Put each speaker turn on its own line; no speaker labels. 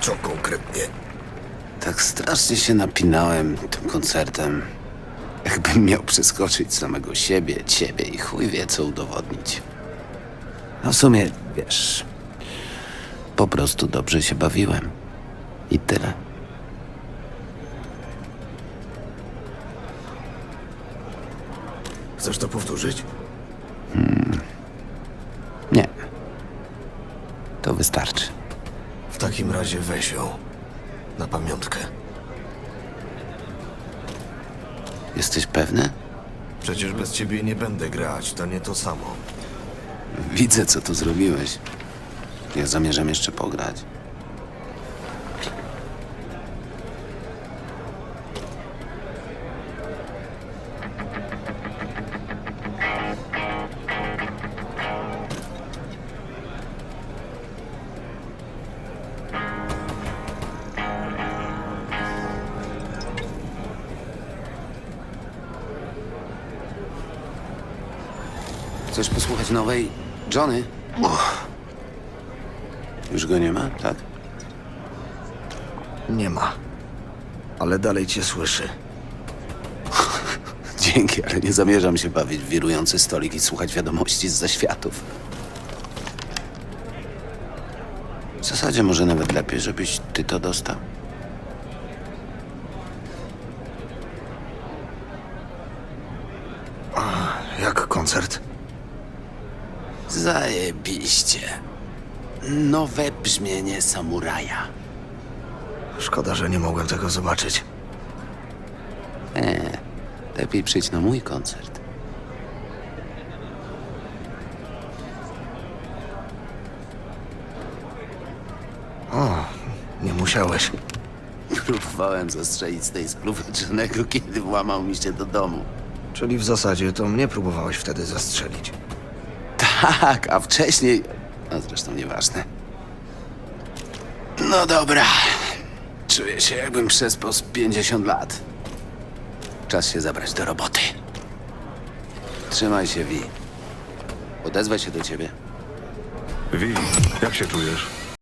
Co konkretnie?
Tak strasznie się napinałem tym koncertem. Jakbym miał przeskoczyć samego siebie, ciebie i chuj wie co udowodnić. No w sumie, wiesz, po prostu dobrze się bawiłem. I tyle.
Chcesz to powtórzyć?
Nie. To wystarczy.
W takim razie weź ją. Na pamiątkę.
Jesteś pewny?
Przecież bez ciebie nie będę grać, to nie to samo.
Widzę, co tu zrobiłeś. Ja zamierzam jeszcze pograć. Chcesz posłuchać nowej Johnny? Już go nie ma, tak?
Nie ma. Ale dalej cię słyszy.
Dzięki, ale nie zamierzam się bawić w wirujący stolik i słuchać wiadomości z zaświatów. W zasadzie może nawet lepiej, żebyś ty to dostał.
Jak koncert?
Zajebiście. Nowe brzmienie samuraja.
Szkoda, że nie mogłem tego zobaczyć.
Lepiej przyjdź na mój koncert.
Nie musiałeś.
Próbowałem zastrzelić z tej spluwy Johnego, kiedy włamał mi się do domu.
Czyli w zasadzie to mnie próbowałeś wtedy zastrzelić.
Tak, a wcześniej... A zresztą nieważne. No dobra. Czuję się, jakbym przespał z 50 lat. Czas się zabrać do roboty. Trzymaj się, Vi. Odezwę się do ciebie.
Wi, jak się czujesz?